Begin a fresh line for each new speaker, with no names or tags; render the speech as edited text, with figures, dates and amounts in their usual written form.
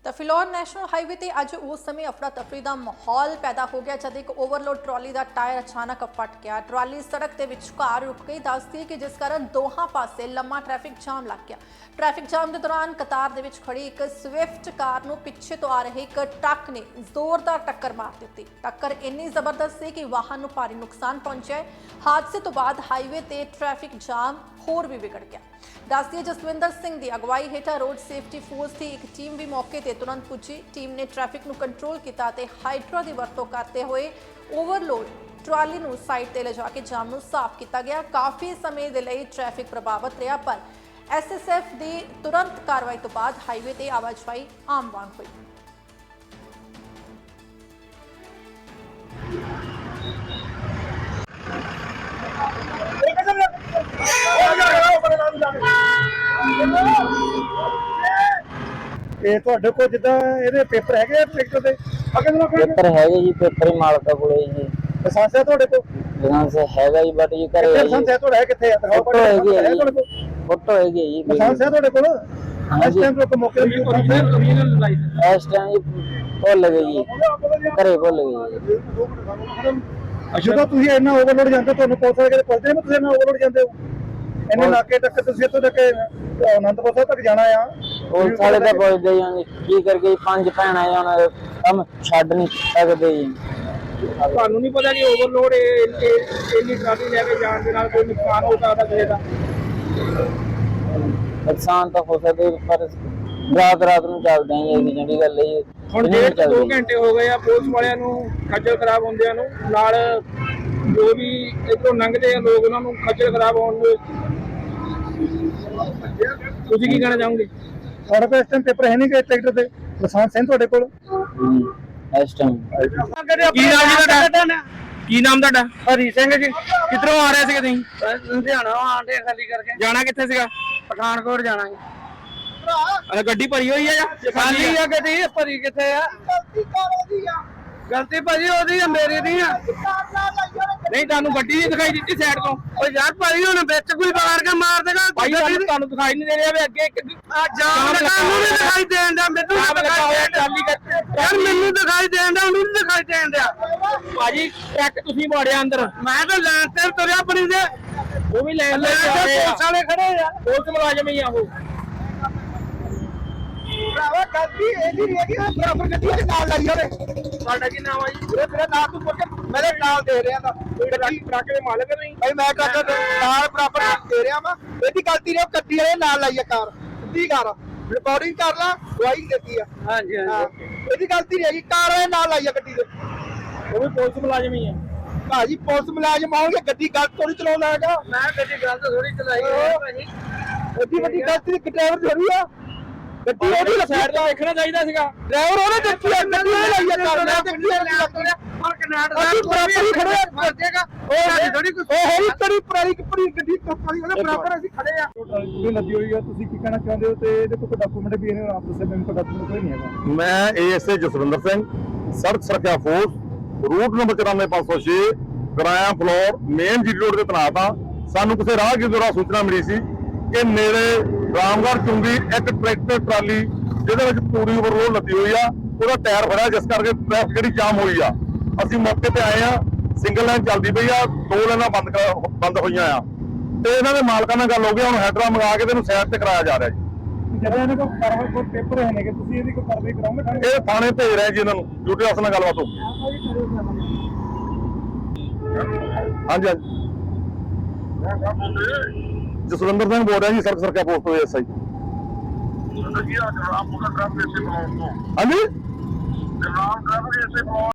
ਤਾਂ Phillaur national highway ਤੇ ਅੱਜ ਉਸ ਸਮੇਂ ਅਫੜਾ ਤਫਰੀ ਦਾ ਮਾਹੌਲ ਪੈਦਾ ਹੋ ਗਿਆ ਜਦ ਇੱਕ ਓਵਰਲੋਡ ਟਰਾਲੀ ਦਾ ਟਾਇਰ ਅਚਾਨਕ ਫਟ ਗਿਆ। ਟਰਾਲੀ ਸੜਕ ਦੇ ਵਿਚਕਾਰ ਰੁਕ ਗਈ। ਦੱਸਦੀ ਕਿ ਜਿਸ ਕਾਰਨ ਦੋਹਾਂ ਪਾਸੇ ਲੰਮਾ ਟ੍ਰੈਫਿਕ ਜਾਮ ਲੱਗ ਗਿਆ। ਟ੍ਰੈਫਿਕ ਜਾਮ ਦੇ ਦੌਰਾਨ ਕਤਾਰ ਦੇ ਵਿੱਚ ਖੜੀ ਇੱਕ ਸਵਿਫਟ ਕਾਰ ਨੂੰ ਪਿੱਛੇ ਤੋਂ ਆ ਰਹੇ ਇੱਕ ਟਰੱਕ ਨੇ ਜ਼ੋਰਦਾਰ ਟੱਕਰ ਮਾਰ ਦਿੱਤੀ। ਟੱਕਰ ਇੰਨੀ ਜ਼ਬਰਦਸਤ ਸੀ ਕਿ ਵਾਹਨ ਨੂੰ ਭਾਰੀ ਨੁਕਸਾਨ ਪਹੁੰਚਿਆ। ਹਾਦਸੇ ਤੋਂ ਬਾਅਦ ਹਾਈਵੇ ਤੇ ਟ੍ਰੈਫਿਕ ਜਾਮ ਹੋਰ ਵੀ ਵਿਗੜ ਗਿਆ। ਦੱਸਦੀ ਜਸਵਿੰਦਰ ਸਿੰਘ ਦੀ ਅਗਵਾਈ ਹੇਠਾਂ ਰੋਡ ਸੇਫਟੀ ਫੋਰਸ ਦੀ ਇੱਕ ਟੀਮ ਵੀ ਮੌਕੇ ਤੇ ਤੁਰੰਤ ਪੁੱਜੀ। ਟੀਮ ਨੇ ਟ੍ਰੈਫਿਕ ਨੂੰ ਕੰਟਰੋਲ ਕੀਤਾ ਤੇ ਹਾਈਡਰਾ ਦੀ ਵਰਤੋਂ ਕਰਦੇ ਹੋਏ ਓਵਰਲੋਡ ਟਰਾਲੀ ਨੂੰ ਸਾਈਡ ਤੇ ਲਿਜਾ ਕੇ ਜਾਮ ਨੂੰ ਸਾਫ਼ ਕੀਤਾ ਗਿਆ। ਕਾਫੀ ਸਮੇਂ ਦੇ ਲਈ ਟ੍ਰੈਫਿਕ ਪ੍ਰਭਾਵਿਤ ਰਿਹਾ, ਪਰ ਐਸਐਸਐਫ ਦੀ ਤੁਰੰਤ ਕਾਰਵਾਈ ਤੋਂ ਬਾਅਦ ਹਾਈਵੇ ਤੇ ਆਵਾਜਾਈ ਆਮ ਵਾਂਗ ਹੋਈ।
ਇਹ ਤੁਹਾਡੇ ਕੋਲ ਜਿੱਦਾਂ ਇਹਦੇ ਪੇਪਰ ਹੈਗੇ ਟਰੈਕਟਰ ਦੇ
पेपर है जी, पेपर ही मालका को जी
ਲਾਇਸੈਂਸ ਹੈ ਤੁਹਾਡੇ ਕੋਲ?
लाइसेंस हैगा जी, बट ये करे है
ਲਾਇਸੈਂਸ ਹੈ ਤੁਹਾਡਾ? ਕਿੱਥੇ ਹੈ? ਦਿਖਾਓ।
फोटो है जी,
ਤੁਹਾਡੇ ਕੋਲ
फोटो है जी
ਲਾਇਸੈਂਸ ਹੈ ਤੁਹਾਡੇ ਕੋਲ?
हाँ
ਇਸ
जी,
ਟਾਈਮ ਤੋਂ ਮੌਕੇ ਤੇ
इस टाइम जी भुल गए जी, घरे भुल गए जी।
ਜਦੋਂ ਤੁਸੀਂ ਇੰਨਾ ਓਵਰਲੋਡ ਜਾਂਦੇ ਹੋ, ਤੁਹਾਨੂੰ ਪੁਲਿਸ ਵਾਲੇ ਕਿਤੇ ਪੁੱਛਦੇ ਨੇ ਤੁਸੀਂ ਇੰਨਾ ਓਵਰਲੋਡ ਜਾਂਦੇ ਹੋ? ਇੰਨੇ ਨਾਕੇ ਤੱਕ ਤੁਸੀਂ ਇੱਥੋਂ ਤੱਕ ਅਨੰਦਪੁਰ ਸਾਹਿਬ ਤੱਕ ਜਾਣਾ ਆ।
और साले तो पहुंचते जी की करके पांच भैन आए हम छड़ नहीं सकते जी।
ਤੁਹਾਨੂੰ ਨਹੀਂ ਪਤਾ ਕਿ ਓਵਰਲੋਡ ਇੰਨੀ ਟਰਾਲੀ ਲੈ ਕੇ ਜਾਣ ਦੇ ਨਾਲ ਕੋਈ ਨੁਕਸਾਨ ਹੋ ਸਕਦਾ ਕਿਸੇ ਦਾ?
नुकसान तो हो सकते पर रात रात ਨੂੰ ਚੱਲਦੇ ਆਂ ਜੀ, ਜਿਹੜੀ ਗੱਲ ਹੈ ਜੀ।
ਹੁਣ ਡੇਢ ਤੋਂ 2 ਘੰਟੇ ਹੋ ਗਏ ਆ ਪੁਲਿਸ ਵਾਲਿਆਂ ਨੂੰ ਖੱਜਲ ਖਰਾਬ ਹੁੰਦਿਆਂ ਨੂੰ, ਨਾਲ ਜੋ ਵੀ ਇੱਥੋਂ ਲੰਘਦੇ ਆ ਲੋਕ ਉਹਨਾਂ ਨੂੰ ਖੱਜਲ ਖਰਾਬ ਹੋਣ ਨੂੰ। ਤੁਸੀਂ ਕੀ ਕਹਿਣਾ ਚਾਹੋਗੇ?
ਤੁਹਾਡੇ ਕੋਲ ਇਸ ਟਾਈਮ ਪੇਪਰ ਹੈ ਨਹੀਂ ਕਿ ਟਰੈਕਟਰ ਦੇ? ਲਾਇਸੈਂਸ ਹੈ ਤੁਹਾਡੇ ਕੋਲ?
ਇਸ ਟਾਈਮ
ਕੀ ਨਾਮ ਜੀ ਤੁਹਾਡਾ? ਕੀ ਨਾਮ ਤੁਹਾਡਾ?
ਹਰੀ ਸਿੰਘ ਜੀ।
ਕਿੱਧਰੋਂ ਆ ਰਹੇ ਸੀਗੇ ਤੁਸੀਂ?
ਲੁਧਿਆਣਾ ਆਂਡੇ ਖਾਲੀ ਕਰਕੇ
ਜਾਣਾ ਕਿੱਥੇ ਸੀਗਾ?
ਪਠਾਨਕੋਟ ਜਾਣਾ ਹੈ।
ਅੱਛਾ, ਗੱਡੀ ਭਰੀ ਹੋਈ ਆ ਜਾਂ
ਖਾਲੀ ਆ ਗੱਡੀ? ਭਰੀ ਕਿੱਥੇ ਆ? ਗਲਤੀ ਭਾਜੀ ਉਹਦੀ ਆ, ਮੇਰੀ ਨਹੀਂ ਆ।
ਨਹੀਂ, ਤੁਹਾਨੂੰ ਗੱਡੀ ਨਹੀਂ ਦਿਖਾਈ ਦਿੱਤੀ ਸਾਈਡ ਤੋਂ?
ਓ ਯਾਰ ਭਾਜੀ ਹੁਣ ਵਿੱਚ ਕੋਈ ਬਾਹਰ ਕੇ ਮਾਰ ਦੇਗਾ
ਭਾਈ ਤੁਹਾਨੂੰ ਦਿਖਾਈ ਨਹੀਂ ਦੇ ਰਿਹਾ ਵੀ ਅੱਗੇ
ਆ ਜਾਮ ਲਗਾ ਨੂੰ ਨਹੀਂ ਦਿਖਾਈ ਦੇਣ ਦਾ, ਮੈਨੂੰ ਨਹੀਂ ਦਿਖਾਈ ਦੇਣ ਯਾਰ, ਮੈਨੂੰ ਦਿਖਾਈ ਦੇਣ ਦਾ, ਉਹਨੂੰ ਨਹੀਂ ਦਿਖਾਈ ਦੇਣ ਦਿਆ।
ਭਾਜੀ ਟਰੱਕ ਤੁਸੀਂ ਵਾੜਿਆ ਅੰਦਰ,
ਮੈਂ ਤਾਂ ਲੈਣ ਤੇ ਤੁਰਿਆ ਆਪਣੀ ਦੇ।
ਉਹ ਵੀ ਲੈਣ ਲੈ
ਲੈਣ ਤੇ ਪੁਲਿਸ ਵਾਲੇ ਖੜੇ ਆ।
ਪੁਲਿਸ ਮੁਲਾਜ਼ਮ ਹੀ ਆ ਉਹ।
ਭਰਾਵਾ ਗਲਤੀ ਇਹਦੀ ਨਹੀਂ ਹੈਗੀ, ਉਹ ਬਰਾਬਰ ਗੱਡੀ ਦੇ ਨਾਲ ਲਾਈ ਉਹਨੇ।
ਤੁਹਾਡਾ ਕੀ ਨਾਮ ਆ ਜੀ?
ਇਹ ਤੇਰਾ ਨਾਮ ਤੂੰ ਪੁੱਛ, ਮੇਰੇ ਨਾਲ ਦੇ ਰਿਹਾ ਤਾਂ
ਗੱਡੀ ਟਰੱਕ ਦੇ ਮਾਲਕ ਨਹੀਂ?
ਭਾਈ ਮੈਂ ਟਰੱਕ ਦੇ ਨਾਲ ਬਰਾਬਰ ਦੇ ਰਿਹਾ ਵਾ। ਇਹਦੀ ਗਲਤੀ ਨੇ ਉਹ ਗੱਡੀ ਵਾਲੇ ਨਾਲ ਲਾਈ ਆ ਕਾਰ, ਸਿੱਧੀ ਕਾਰ। ਰਿਕਾਰਡਿੰਗ ਕਰ ਲਾ, ਗਵਾਹੀ ਦਿੱਤੀ ਆ।
ਹਾਂਜੀ
ਇਹਦੀ ਗਲਤੀ ਨਹੀਂ ਹੈਗੀ, ਕਾਰ ਵਾਲੇ ਨਾਲ ਲਾਈ ਆ ਗੱਡੀ ਦੇ।
ਉਹ ਵੀ ਪੁਲਿਸ ਮੁਲਾਜ਼ਮ ਹੀ ਆ।
ਭਾਜੀ ਪੁਲਿਸ ਮੁਲਾਜ਼ਮ ਆਉਣਗੇ, ਗੱਡੀ ਗਲਤ ਥੋੜੀ ਚਲਾਉਂਦਾ ਹੈਗਾ।
ਮੈਂ ਗੱਡੀ ਗਲਤ ਥੋੜੀ ਚਲਾਈ ਹੈ ਭਾਜੀ।
ਐਡੀ ਵੱਡੀ ਗਲਤੀ ਦੀ ਡਰਾਈਵਰ ਥੋੜੀ ਆ। ਗੱਡੀ ਉਹਦੀ
ਸਾਈਡ ਤੋਂ ਦੇਖਣਾ ਚਾਹੀਦਾ ਸੀਗਾ।
ਡਰਾਈਵਰ ਉਹਨੇ ਦਿੱਤੀ ਆ, ਗੱਡੀ ਉਹਨੇ ਲਾਈ ਆ ਕਾਰ ਨਾਲ। ਗੱਡੀ ਉਹਨੇ ਲਾਈ ਆ।
ਔਰ ਕਨਾਡਾ
ਅਸੀਂ ਬਰਾਬਰ ਹੀ ਖੜੇ ਆ, ਫਰਜੇਗਾ ਉਹ ਥੋੜੀ ਕੋਈ ਉਹ ਹੋਈ ਤੜੀ ਪੁਰਾਣੀ ਕੱਪੜੀ ਗੱਡੀ ਕੰਪਨੀ ਉਹਦੇ ਬਰਾਬਰ ਅਸੀਂ ਖੜੇ ਆ। ਟਰਾਲੀ ਲੱਦੀ ਹੋਈ ਆ, ਤੁਸੀਂ ਕੀ ਕਹਿਣਾ ਚਾਹੁੰਦੇ ਹੋ? ਤੇ ਇਹਦੇ ਕੋਈ ਡਾਕੂਮੈਂਟ ਵੀ ਇਹਨੇ ਆਪ ਦੱਸਿਆ, ਮੈਨੂੰ ਕੋਈ ਡਾਕੂਮੈਂਟ ਕੋਈ ਨਹੀਂ ਹੈਗਾ।
ਮੈਂ ਏਐਸਏ ਜਸਵਿੰਦਰ ਸਿੰਘ, ਸੜਕ ਸੁਰੱਖਿਆ force, route number 94506, Goraya Phillaur, main G road ਤੇ ਤੈਨਾਤ ਹਾਂ। ਸਾਨੂੰ ਕਿਸੇ ਰਾਹਗੀਰ ਦੁਆਰਾ ਸੂਚਨਾ ਮਿਲੀ ਸੀ ਕਿ ਨੇੜੇ ਰਾਮਗੜ੍ਹ ਚੁੰਗੀ ਇੱਕ ਟਰੈਕਟਰ ਟਰਾਲੀ ਜਿਹਦੇ ਵਿੱਚ ਪੂਰੀ ਓਵਰਲੋਡ ਲੱਦੀ ਹੋਈ ਆ, ਉਹਦਾ ਟਾਇਰ ਫੜਿਆ, ਜਿਸ ਕਰਕੇ ਟ੍ਰੈਫਿਕ ਜਿਹੜੀ ਜਾਮ ਹੋਈ ਆ। ਅਸੀਂ ਮੌਕੇ ਤੇ ਆਏ ਆ, ਸਿੰਗਲ ਲਾਈਨ ਚੱਲਦੀ ਪਈ ਆ, 2 ਲਾਈਨਾਂ ਬੰਦ ਹੋਈਆਂ ਆ, ਤੇ ਇਹਨਾਂ ਦੇ ਮਾਲਕਾਂ ਨਾਲ ਗੱਲ ਹੋ ਗਈ। ਹੁਣ ਹੈਡਰਾ ਮੰਗਾ ਕੇ ਇਹਨੂੰ ਸਾਈਡ ਤੇ ਕਰਾਇਆ ਜਾ ਰਿਹਾ ਜੀ।
ਜਦੋਂ ਇਹਨਾਂ ਕੋਲ ਕਾਰਵਾਈ ਕੋਈ ਪੇਪਰ ਹੈ ਨੇਗੇ, ਤੁਸੀਂ ਇਹਦੀ ਕੋਈ ਕਾਰਵਾਈ ਕਰਾਓਗੇ?
ਇਹ ਥਾਣੇ ਭੇਜ ਰਹੇ ਜੀ ਇਹਨਾਂ ਨੂੰ, ਡਿਊਟੀ ਅਫਸਰ ਨਾਲ ਗੱਲਬਾਤ ਹੋ ਗਈ। ਹਾਂਜੀ ਹਾਂਜੀ, ਜਸਵਿੰਦਰ ਸਿੰਘ ਬੋਲ ਰਿਹਾ ਜੀ, ਸੜਕ ਸੁਰੱਖਿਆ ਪੋਸਟ ਤੋਂ ਐਸਆਈ। ਹਾਂਜੀ।